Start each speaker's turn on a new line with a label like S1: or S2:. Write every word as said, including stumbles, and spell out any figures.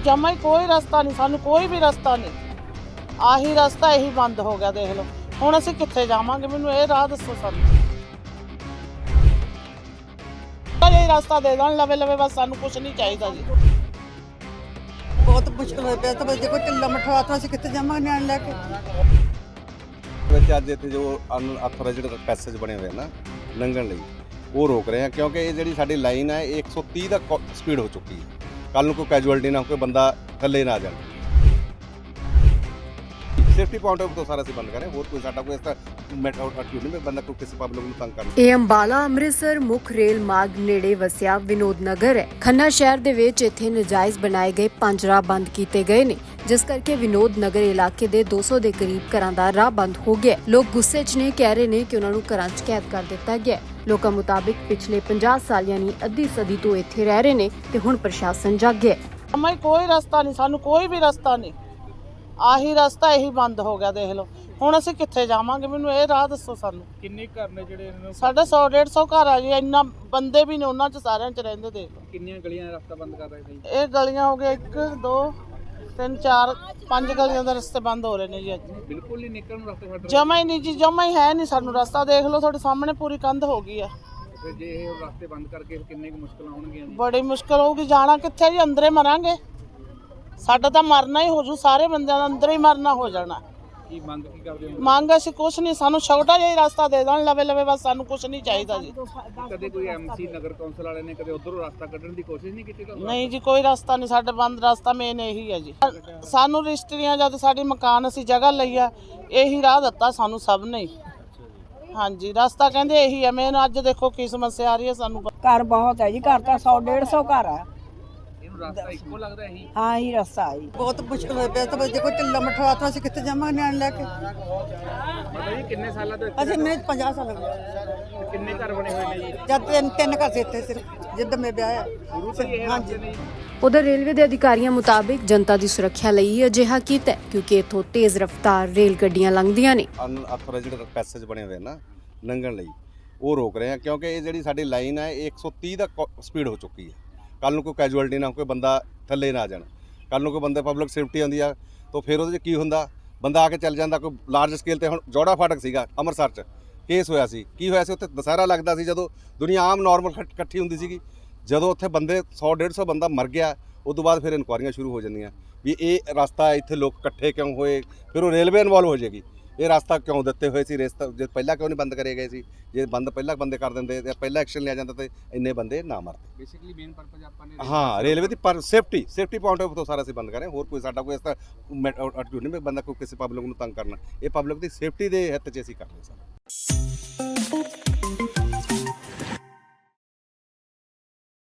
S1: जमा ही कोई रस्ता नहीं, सानू कोई भी रस्ता नहीं। आही रस्ता यही बंद हो गया, देख लो हुण असीं कित्थे जावांगे। मैनूं ये राह दस्सो सानू, ये रास्ता दे देण लवे लवे, बस सानू कुछ नहीं चाहिदा जी।
S2: बहुत मुश्किल हो पिया, तो बस देखो ढिल्ला मठवा तो असीं कित्थे जावांगे निआण लैके।
S3: ਅੱਜ ਇੱਥੇ ਜੋ ਅਨਅਥੋਰਾਈਜ਼ਡ ਪੈਸੇਜ ਬਣੇ ਹੋਏ ਨਾ ਲੰਘਣ ਲਈ ਉਹ ਰੋਕ ਰਹੇ ਆ, ਕਿਉਂਕਿ ਇਹ ਜਿਹੜੀ ਸਾਡੀ ਲਾਈਨ ਹੈ ਇਹ ਇੱਕ ਸੌ ਤੀਹ ਦਾ ਸਪੀਡ ਹੋ ਚੁੱਕੀ ਹੈ। ਕੱਲ ਨੂੰ ਕੋਈ ਕੈਜੂਅਲਟੀ ਨਾ ਹੋ, ਕੋਈ ਬੰਦਾ ਥੱਲੇ ਨਾ ਜਾਣ। ਸੇਫਟੀ ਪੁਆਇੰਟ ਆਫ ਤੋਂ ਸਾਰਾ ਅਸੀਂ ਬੰਦ ਕਰੇ, ਹੋਰ ਕੋਈ ਸਾਡਾ ਕੋਈ ਇਸ ਤਰ੍ਹਾਂ ਮੈਟਰ ਐਟੀਟਿਊਡ ਨਹੀਂ ਬੰਦਾ ਕੋਈ ਕਿਸੇ ਪਬਲਿਕ ਨੂੰ ਤੰਗ ਕਰਨਾ।
S4: ਇਹ ਅੰਬਾਲਾ ਅੰਮ੍ਰਿਤਸਰ ਮੁੱਖ ਰੇਲ ਮਾਰਗ ਨੇੜੇ ਵਸਿਆ ਵਿਨੋਦ ਨਗਰ ਹੈ। ਖੰਨਾ ਸ਼ਹਿਰ ਦੇ ਵਿੱਚ ਇੱਥੇ ਨਜਾਇਜ਼ ਬਣਾਏ ਗਏ ਪੰਜ ਰਾਹ ਬੰਦ ਕੀਤੇ ਗਏ ਨੇ, ਜਿਸ ਕਰਕੇ ਵਿਨੋਦ ਨਗਰ ਇਲਾਕੇ ਦੇ ਦੋ ਸੌ ਦੇ ਕਰੀਬ ਘਰਾਂ ਦਾ ਰਾਹ ਬੰਦ ਹੋ ਗਿਆ। ਲੋਕ ਗੁੱਸੇ 'ਚ ਨੇ, ਕਹਿ ਰਹੇ ਨੇ ਕਿ ਉਹਨਾਂ ਨੂੰ ਘਰਾਂ 'ਚ ਕੈਦ ਕਰ ਦਿੱਤਾ ਗਿਆ। ਲੋਕਾਂ ਮੁਤਾਬਿਕ ਪਿਛਲੇ ਪੰਜਾਹ ਸਾਲ ਯਾਨੀ ਅੱਧੀ ਸਦੀ ਤੋਂ ਇੱਥੇ ਰਹਿ ਰਹੇ ਨੇ ਤੇ ਹੁਣ ਪ੍ਰਸ਼ਾਸਨ ਜਾਗਿਆ।
S1: ਜਮਾ ਹੀ ਕੋਈ ਰਸਤਾ ਨਹੀਂ, ਸਾਨੂੰ ਕੋਈ ਵੀ ਰਸਤਾ ਨਹੀਂ। ਆਹੀ ਰਸਤਾ ਇਹੀ ਬੰਦ ਹੋ ਗਿਆ, ਦੇਖ ਲਓ ਹੁਣ ਅਸੀਂ ਕਿੱਥੇ ਜਾਵਾਂਗੇ। ਮੈਨੂੰ ਇਹ ਰਾਹ ਦੱਸੋ ਸਾਨੂੰ।
S5: ਕਿੰਨੇ ਘਰ ਨੇ ਜਿਹੜੇ ਇਹਨਾਂ ਨੂੰ
S1: ਸਾਡਾ ਸੌ ਡੇਢ ਸੌ ਘਰ ਆ ਜੀ, ਇੰਨਾ ਬੰਦੇ ਵੀ ਨੇ ਉਹਨਾਂ 'ਚ, ਸਾਰਿਆਂ 'ਚ ਰਹਿੰਦੇ। ਦੇਖ ਲਓ
S5: ਕਿੰਨੀਆਂ ਗਲੀਆਂ ਦਾ ਰਸਤਾ ਬੰਦ ਕਰ ਰਹੇ ਸੀ?
S1: ਇਹ ਗਲੀਆਂ ਹੋ ਗਈਆਂ ਇੱਕ ਦੋ ਤਿੰਨ ਚਾਰ ਪੰਜ ਗਲੀਆਂ ਦੇ ਰਸਤੇ ਬੰਦ ਹੋ ਰਹੇ ਨੇ ਜੀ ਅੱਜ।
S5: ਬਿਲਕੁਲ ਹੀ ਨਿਕਲਣ ਨੂੰ ਰਸਤਾ ਛੱਡ ਰਹੇ?
S1: ਜਮਾ ਹੀ ਨਹੀਂ ਜੀ, ਜਮਾ ਹੀ ਹੈ ਨਹੀਂ ਸਾਨੂੰ ਰਸਤਾ। ਦੇਖ ਲਓ ਤੁਹਾਡੇ ਸਾਹਮਣੇ ਪੂਰੀ ਕੰਧ ਹੋ ਗਈ ਆ।
S5: ਫਿਰ ਜੇ ਇਹ ਰਸਤੇ ਬੰਦ ਕਰਕੇ ਕਿੰਨੇ ਕੁ ਮੁਸ਼ਕਲਾਂ ਆਉਣਗੀਆਂ ਜੀ?
S1: ਬੜੀ ਮੁਸ਼ਕਲ ਹੋਊਗੀ, ਜਾਣਾ ਕਿੱਥੇ ਜੀ? ਅੰਦਰੇ ਮਰਾਂਗੇ, ਸਾਡਾ ਤਾਂ ਮਰਨਾ ਹੀ ਹੋ ਜੂ, ਸਾਰੇ ਬੰਦਿਆਂ ਦਾ ਅੰਦਰ ਹੀ ਮਰਨਾ ਹੋ ਜਾਣਾ।
S5: ਕੀ ਮੰਗ ਕੀ ਕਰਦੇ ਹੋ?
S1: ਮੰਗ ਅਸੀਂ ਕੁਛ ਨਹੀਂ, ਸਾਨੂੰ ਛੋਟਾ ਜਿਹਾ ਹੀ ਰਸਤਾ ਦੇ ਦੇਣ ਲਵੇ ਲਵੇ, ਬਸ ਸਾਨੂੰ ਕੁਛ ਨਹੀਂ ਚਾਹੀਦਾ ਜੀ।
S5: ਕਦੇ ਕੋਈ ਐਮਸੀ ਨਗਰ ਕੌਂਸਲ ਵਾਲੇ ਨੇ ਕਦੇ ਉਧਰੋਂ ਰਸਤਾ ਕੱਢਣ ਦੀ ਕੋਸ਼ਿਸ਼ ਨਹੀਂ ਕੀਤੀ?
S1: ਨਹੀਂ ਜੀ, ਕੋਈ ਰਸਤਾ ਨਹੀਂ, ਸਾਡਾ ਬੰਦ ਰਸਤਾ ਮੇਨ ਇਹੀ ਹੈ ਜੀ। ਸਾਨੂੰ ਰਿਸ਼ਤਰੀਆਂ ਜਦ ਸਾਡੀ ਮਕਾਨ ਅਸੀਂ ਜਗ੍ਹਾ ਲਈ ਆ, ਇਹੀ ਰਾਹ ਦਿੱਤਾ ਸਾਨੂੰ ਸਭ ਨੇ। ਹਾਂਜੀ, ਰਸਤਾ ਕਹਿੰਦੇ ਇਹੀ ਹੈ ਮੇਨ। ਅੱਜ ਦੇਖੋ ਕੀ ਸਮੱਸਿਆ ਆ ਰਹੀ ਹੈ ਸਾਨੂੰ।
S2: ਘਰ ਬਹੁਤ ਹੈ ਜੀ, ਘਰ ਤਾਂ ਸੌ ਡੇਢ ਸੌ ਘਰ ਆ।
S5: ਇਹਨੂੰ ਰਸਤਾ ਇੱਕੋ ਲੱਗਦਾ ਇਹੀ?
S2: ਹਾਂ ਹੀ ਰਸਤਾ ਹੈ ਜੀ। ਬਹੁਤ ਮੁਸ਼ਕਿਲ ਹੋ ਪਿਆ, ਤਾਂ ਬਸ ਦੇਖੋ ਢਿੱਲਾ ਮਠਵਾ ਤੋਂ ਅਸੀਂ ਕਿੱਥੇ ਜਾਵਾਂਗੇ ਨਿਆਣ ਲੈ ਕੇ।
S5: ਮਤਲਬ ਜੀ ਕਿੰਨੇ ਸਾਲਾਂ ਤੋਂ
S2: ਅਸੀਂ ਮੈਂ ਪੰਜਾਹ ਸਾਲ ਹੋ ਗਏ।
S5: ਕਿੰਨੇ ਘਰ ਬਣੇ ਹੋਏ ਨੇ ਜੀ?
S2: ਜਦ ਤਿੰਨ ਤਿੰਨ ਘਰ ਸੀ ਇੱਥੇ ਸਿਰਫ, ਜਿੱਦ ਮੈਂ ਵਿਆਹ ਹੈ। ਹਾਂਜੀ।
S4: ਉਧਰ ਰੇਲਵੇ ਦੇ ਅਧਿਕਾਰੀਆਂ ਮੁਤਾਬਿਕ ਜਨਤਾ ਦੀ ਸੁਰੱਖਿਆ ਲਈ ਅਜਿਹਾ ਕੀਤਾ ਹੈ, ਕਿਉਂਕਿ ਇੱਥੋਂ ਤੇਜ਼ ਰਫ਼ਤਾਰ ਰੇਲ ਗੱਡੀਆਂ ਲੰਘਦੀਆਂ ਨੇ।
S3: ਅਨਅਥੋਰਾਈਜ਼ਡ ਪੈਸੇਜ ਬਣੇ ਹੋਏ ਨਾ ਲੰਘਣ ਲਈ ਉਹ ਰੋਕ ਰਹੇ ਆ, ਕਿਉਂਕਿ ਇਹ ਜਿਹੜੀ ਸਾਡੀ ਲਾਈਨ ਹੈ ਇਹ ਇੱਕ ਸੌ ਤੀਹ ਦਾ ਸਪੀਡ ਹੋ ਚੁੱਕੀ ਹੈ। ਕੱਲ ਨੂੰ ਕੋਈ ਕੈਜੂਅਲਟੀ ਨਾ ਹੋ, ਕੋਈ ਬੰਦਾ ਥੱਲੇ ਨਾ ਜਾਣ। ਕੱਲ ਨੂੰ ਕੋਈ ਬੰਦੇ ਪਬਲਿਕ ਸੇਫਟੀ ਆਉਂਦੀ ਆ ਤਾਂ ਫਿਰ ਉਹਦੇ 'ਚ ਕੀ ਹੁੰਦਾ, ਬੰਦਾ ਆ ਕੇ ਚੱਲ ਜਾਂਦਾ। ਕੋਈ ਲਾਰਜ ਸਕੇਲ ਤੇ ਹੁਣ ਜੋੜਾ ਫਾਟਕ ਸੀਗਾ ਅੰਮ੍ਰਿਤਸਰ 'ਚ ਕੇਸ ਹੋਇਆ ਸੀ। ਕੀ ਹੋਇਆ ਸੀ ਉੱਥੇ? ਦੁਸਹਿਰਾ ਲੱਗਦਾ ਸੀ, ਜਦੋਂ ਦੁਨੀਆ ਆਮ ਨੋਰਮਲ ਇਕੱਠੀ ਹੁੰਦੀ ਸੀਗੀ। ਜਦੋਂ ਉੱਥੇ ਬੰਦੇ ਸੌ ਡੇਢ ਸੌ ਬੰਦਾ ਮਰ ਗਿਆ, ਉਸ ਤੋਂ ਬਾਅਦ ਫਿਰ ਇਨਕੁਆਰੀਆਂ ਸ਼ੁਰੂ ਹੋ ਜਾਂਦੀਆਂ ਵੀ ਇਹ ਰਸਤਾ ਇੱਥੇ ਲੋਕ ਇਕੱਠੇ ਕਿਉਂ ਹੋਏ, ਫਿਰ ਉਹ ਰੇਲਵੇ ਇਨਵੋਲਵ ਹੋ ਜਾਏਗੀ। ਇਹ ਰਸਤਾ ਕਿਉਂ ਦਿੱਤੇ ਹੋਏ ਸੀ, ਰਸਤਾ ਜੇ ਪਹਿਲਾਂ ਕਿਉਂ ਨਹੀਂ ਬੰਦ ਕਰੇ ਗਏ ਸੀ? ਜੇ ਬੰਦ ਪਹਿਲਾਂ ਬੰਦੇ ਕਰ ਦਿੰਦੇ ਤੇ ਪਹਿਲਾਂ ਐਕਸ਼ਨ ਲਿਆ ਜਾਂਦਾ ਤੇ ਇੰਨੇ ਬੰਦੇ ਨਾ ਮਰਦੇ।
S5: ਬੇਸਿਕਲੀ ਮੇਨ ਪਰਪਸ ਆਪਾਂ ਨੇ
S3: ਹਾਂ, ਰੇਲਵੇ ਦੀ ਪਰ ਸੇਫਟੀ ਸੇਫਟੀ ਪੁਆਇੰਟ ਆਫ ਤੋਂ ਸਾਰਾ ਅਸੀਂ ਬੰਦ ਕਰੇ, ਹੋਰ ਕੋਈ ਸਾਡਾ ਕੋਈ ਇਸ ਤਰ੍ਹਾਂ ਐਟੀਟਿਊਡ ਨਹੀਂ ਬੰਦਾ ਕੋਈ ਕਿਸੇ ਪਬਲਿਕ ਨੂੰ ਤੰਗ ਕਰਨਾ। ਇਹ ਪਬਲਿਕ ਦੀ ਸੇਫਟੀ ਦੇ ਹਿੱਤ 'ਚ ਅਸੀਂ ਕਰ ਰਹੇ ਸਾਰਾ।